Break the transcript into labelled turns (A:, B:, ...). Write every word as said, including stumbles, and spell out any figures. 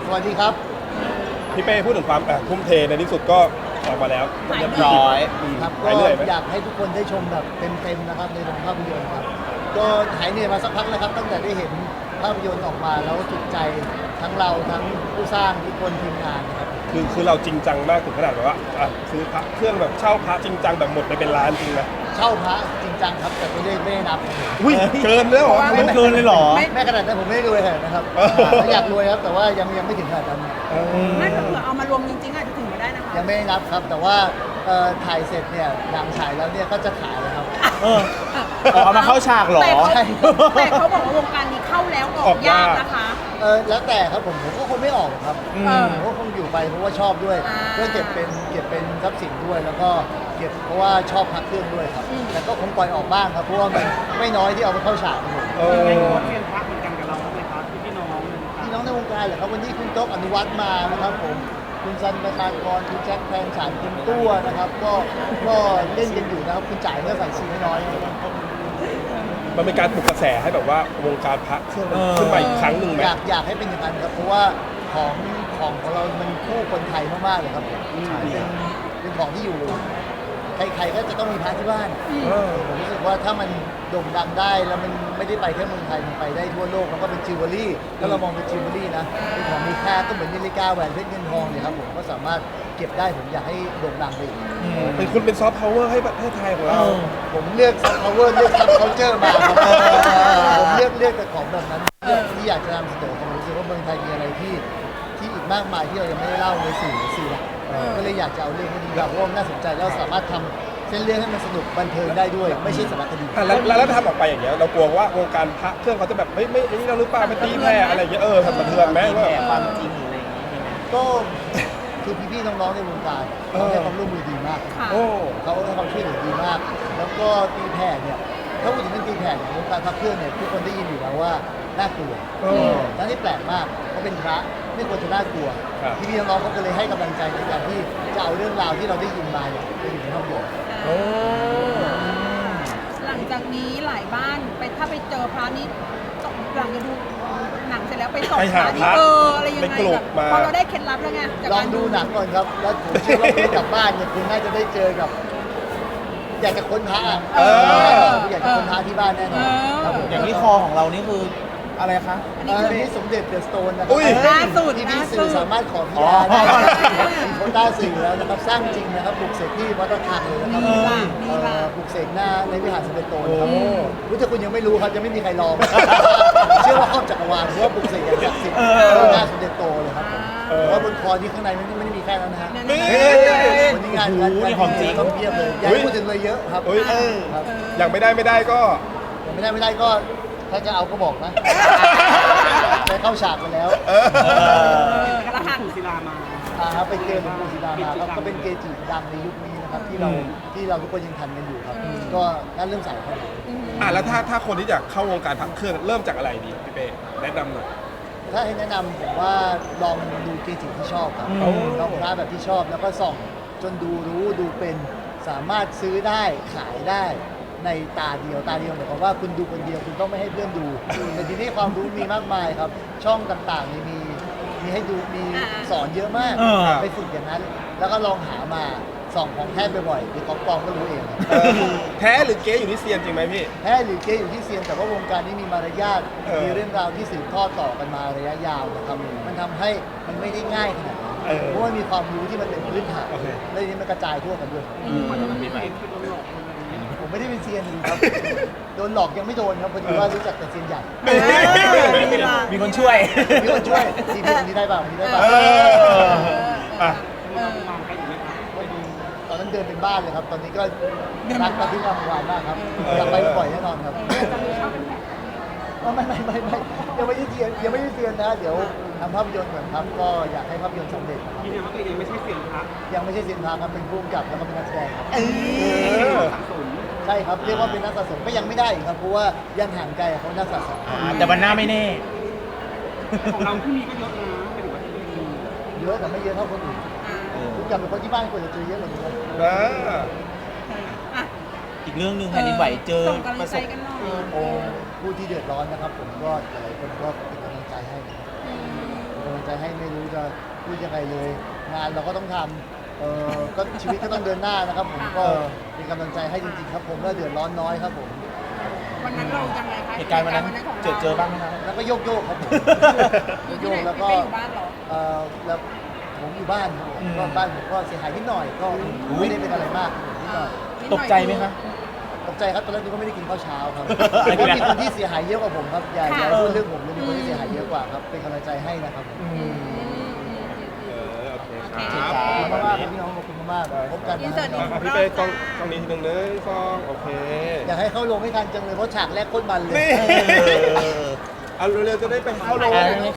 A: สวัสดีครับ
B: พี่เป้พูดถึงความทุ่มเทในที่สุดก็ออกมาแล้วเรียบร้อย
A: ครับก็อยากให้ทุกคนได้ชมแบบเต็มๆนะครับในโรงภาพยนตร์ครับก็หายเหนื่อยมาสักพักแล้วครับตั้งแต่ได้เห็นภาพยนตร์ออกมาแล้วจุใจทั้งเราทั้งผู้สร้างทุกคนทีมงานนะครับ
B: คือคือเราจริงจังมากถึงขนาดแบบว่าซื้อพระเครื่องแบบเช่าพระจริงจังแบบหมดไปเป็นล้านจริงนะ
A: เช่าพระจริงจังครับแต่ไม่ได้ไม่ได้นับ
B: อุ้ยเกินแล้วเหรอ
C: ไม่เกินเลยเหรอ
A: แม่ขนาดนั้นผมไม่ได้รวยขนาดนะครับอยากรวยครับแต่ว่ายังยังไม่ถึงขนาดนั้น
D: ไม่เผื่อเอามารวมจริงๆอาจจะถึงมาได้นะคะ
A: ยังไม่ได้นับครับแต่ว่าถ่ายเสร็จเนี่ยหนังฉายแล้วเนี่ยก็จะขายเลยครับ
C: เออเอามาเข้าฉากเหรอ
D: แต่เขาบอกว่าวงการนี้เข้าแล้วออกยากนะคะ
A: เออแล้วแต่ครับผมผมก็คงไม่ออกครับผมก็คงอยู่ไปเพราะว่าชอบด้วยเพื่อเก็บเป็นเก็บเป็นทรัพย์สินด้วยแล้วก็เก็บเพราะว่าชอบพักเครื่องด้วยครับแต่ก็คงปล่อยออกบ้างครับเพราะว่ามันไม่น้อยที่เอาไปเข้าฉากครับผม
E: เออเรียนพักเหมือนกันกับเราไหมครับพี่น้อง
A: พี่น้องในวงการเหรอครับวันนี้คุณโต๊ะอนุวัฒน์มานะครับผมคุณซันประชากรคุณแจ็คแพนฉันคุณตัวนะครับก็ก็เล่นกันอยู่นะครับคุณจ่ายเมื่อใส่ชีน้อย
B: มันเป็นการปลุกกระแสให้แบบว่าวงการพระเครื่องขึ้นมาอีกครั้งหนึ่งไหม
A: อยากอยากให้เป็นอย่างนั้นครับเพราะว่าของของของเรามันคู่คนไทยมากๆเลยครับเป็นเป็นของที่อยู่ใครๆก็จะต้องมีพระที่บ้านผมรู้สึกว่าถ้ามันโด่งดังได้แล้วมันไม่ได้ไปแค่เมืองไทยมันไปได้ทั่วโลกมันก็เป็นจิวเวลรี่ถ้าเรามองเป็นจิวเวลรี่นะเป็นของมีค่าก็เหมือนนาฬิกาแหวนเพชรเงินทองเนี่ยครับผมก็สามารถเก็บได้ผมอยากให้โด่งดังไปอีก
B: เป็นคุณเป็นซอฟต์พาวเวอร์ให้ประเทศไทยของเรา
A: ผมเลือกซอฟต์พาวเวอร์เลือกซับเคาน์เตอร์มาครับผมเลือกเลือกแต่ของแบบนั้นที่อยากจะนำเสนอผมรู้สึกว่าเมืองไทยมีอะไรที่ที่อีกมากมายที่เรายังไม่ได้เล่าในสื่อสื่อหลักก็เลยอยากจะเอาเรื่องนี้เพราะว่าน่าสนใจแล้วสามารถทำเส้นเรื่องให้มันสนุกบันเทิงได้ด้วยไม่ใช่สารคดี
B: แล้วแล้วทำออกไปอย่างเงี้ยเรากลัวว่าวงการพระเครื่องเขาจะแบบไม่ไม่นี่เราหรือเปล่าไม่ตีแผ่อะไรอย่างเงี้ยเออทำสะเทือนไหมว่า
C: ความจริงอะไรอย่างเงี้ย
A: ก็คือพี่ๆน้องๆในวงการเขาให้ความร่วมมือดีมากโอ้เขาให้ความช่วยเหลือดีมากแล้วก็ตีแผ่เนี่ยถ้าพูดถึงเรื่องตีแผ่เนี่ยวงการพระเครื่องเนี่ยทุกคนได้ยินอยู่แล้วว่าน่ากลัวนั่นที่แปลกมากเขาเป็นพระไม่ควรจะน่ากลัวพี่ๆน้องๆเขาก็เลยให้กำลังใจในการที่จะเอาเรื่องราวที่เราได้ยินมาเนี่ยไปอยู่ในห้องบท
D: หลังจากนี้หลายบ้านไปถ้าไปเจอพระนี้หลังจะดูหนังเสร็จแล้วไปส่องพระนี่เอออะไรยังไงแบบพอเราได้เคล็ดลับแล้วไง
A: ลองดูหนังก่อนครับแล้วผมเชื่อว่าคุณกลับบ้านเนี่ยคุณน่าจะได้เจอกับอยากจะค้นพระอยากจะค้นพระที่บ้านแน่นอน
C: อย่างที่คอของเรานี่คืออะไรคะ
A: อันนี้สมเด็จเดอะสโตนนะครับ
D: ล่าสุด
A: ที่พี่สื่อสามารถขอพิจารณามีโควต้าสื่อแล้วนะครับสร้างจริงนะครับปลุกเสกที่วัดระฆังเลยนะครับปลุกเสกหน้าในวิหารสมเด็จโตนะครับรู้จักคุณยังไม่รู้ครับยังไม่มีใครลองเชื่อว่าครอบจักรวาลเพราะว่าปลุกเสกอย่างศักดิ์สิทธิ์หน้าสมเด็จโตเลยครับเพราะบนคอที่ข้างในมันไม่ได้มีแค่นั้นนะฮะวันนี้งานงาน
C: ของจริง
A: ต้องเพียบเลยอยากพูดถึงเลยเยอะครับ
B: อย่างไม่ได้ไม่ได้ก็
A: อย่างไม่ได้ไม่ได้ก็ถ้าจะเอาก็บอกนะไปเข้าฉากไปแล้ว
D: กระหัง
E: ศิลามา
A: อ่าไปเจอหลวงปู่ศิลามาครับก็เป็นเกจิดังในยุคนี้นะครับที่เราที่เราทุกคนยังทันกันอยู่ครับก็น่าเริ่มใส่ครับ
B: อ่าแล้วถ้าถ้าคนที่อยากเข้าวงการพักเครื่องเริ่มจากอะไรดีพี่เป้แนะนำหน่อย
A: ถ้าให้แนะนำผมว่าลองดูเกจิที่ชอบครับลองพระแบบที่ชอบแล้วก็ส่องจนดูรู้ดูเป็นสามารถซื้อได้ขายได้ในตาเดียวตาเดียวหมายความว่าคุณดูคนเดียวคุณต้องไม่ให้เพื่อนดูแต่ทีนี้ความรู้มีมากมายครับช่องต่างๆมีมีให้ดูมีสอนเยอะมากไปฝึกอย่างนั้นแล้วก็ลองหามาส่องของแท้บ่อยๆหรือของปลอมก็รู้เอง
B: แท้หรือเก๊อยู่ที่เซียนจริงไหมพี่
A: แท้หรือเก๊อยู่ที่เซียนแต่ว่าวงการนี้มีมารยาทมีเรื่องราวที่สืบทอดต่อกันมาระยะยาวนะครับมันทำให้มันไม่ได้ง่ายขนาดนั้นเพราะว่ามีความรู้ที่มันเป็นพื้นฐานและทีนี้มันกระจายทั่วกันด้วยผมไม่ได้เป็นเซียนครับโดนหลอกยังไม่โดนครับพอดีว่ารู้จักแต่เซียนใหญ่
C: มีคนช่วย
A: มีคนช่วยซีพีนี้ได้ป่ะนี้ได้ป่ะตอนนั้นเดินเป็นบ้านเลยครับตอนนี้ก็รักกันที่งามวานมากครับอยากไปบ่อยแน่นอนครับไม่ไม่ไม่ไม่ยังไม่ได้เซียนยังไม่ได้เซียนนะเดี๋ยวทำภาพยนตร์ก่อนครับก็อยากให้ภาพยนตร์สำเร็จครับ
E: ที่นี่ว่าตัวเองไม่ใช่เซียนพระ
A: ยังไม่ใช่เซียนพระครับเป็นผู้กำกับแล้วก็เป็นนักแสดงครับใช่ครับเรียกว่าเป็นนักสะสมก็ยังไม่ได้ครับเพราะว่ายังห่างไกลเขานักสะสม
C: แต่วันหน้าไม่แน่
E: ของเราที่มีก็เยอะนะเป็นว่าที่มี
A: เยอะแต่ไม่เยอะเท่าคนอื่นผู้กำกับเป็นคนที่บ้านควรจะเจอเยอะกว่านี้ครับ
C: อีกเรื่องหนึ่งแผ่นดินไหวเจอ
D: ประสบ
A: โอ้ผู้ที่เดือดร้อนนะครับผมก็หลายคนก็เป็นกำลังใจให้กำลังใจให้ไม่รู้จะพูดยังไงเลย งานเราก็ต้องทำเออก็ชีวิตก็ต้องเดินหน้านะครับผมก็เป็นกำลังใจให้จริงๆครับผมก็เดือดร้อนน้อยครับผม
D: วันนั้นเรายังไงคะ
C: เหตุการณ์วันนั้น
D: ของ
C: เจอเจอบ้างไหมครับ
A: แล้วก็โยกโยกๆครับผม
D: อยู่
A: โย
D: ที่
A: ก
D: ไหน
A: ๆแล้ว
D: พี่
A: ก็
D: เป้อยู่บ้านเหรอ
A: เออแล้วผมอยู่บ้านครับผม
C: อืม
A: ก็บ้านผมก็เสียหายนิดหน่อยก็ไม่ได้เป็นอะไรมากนิดหน่อย
C: ตกใจไหมคะ
A: ตกใจครับตอนแรกนึกว่าไม่ได้กินข้าวเช้าครับ
C: อะไร
A: เพราะ
C: กัน
A: มีคนที่เสียหายเยอะกว่าผมครับอย่าอย่าพูดเรื่องผมเลยมีคนที่เสียหายเยอะกว่าครับเป็นกำลังใจให้นะครับผม
C: อืม
B: เออโอเคค
D: โอเค
B: รับ
A: ขอบคุณ
B: วัน
A: มากๆค
B: นี้
A: รับพี่น้องขอบคุณมากๆพบกัน
D: อิน
A: นะ
D: เสิร์ต
A: ครับ
B: อ่ะพี่เป้ต้องต้องนี้ทีหนึ่งเลยฟองโอเค
A: อยากให้เข้าลงให้ทันจังเลยเพราะฉากแรกโคตรมันเลย
B: นี่ เอาเร็วๆจะได้ไปเข้าโรง
C: อ่า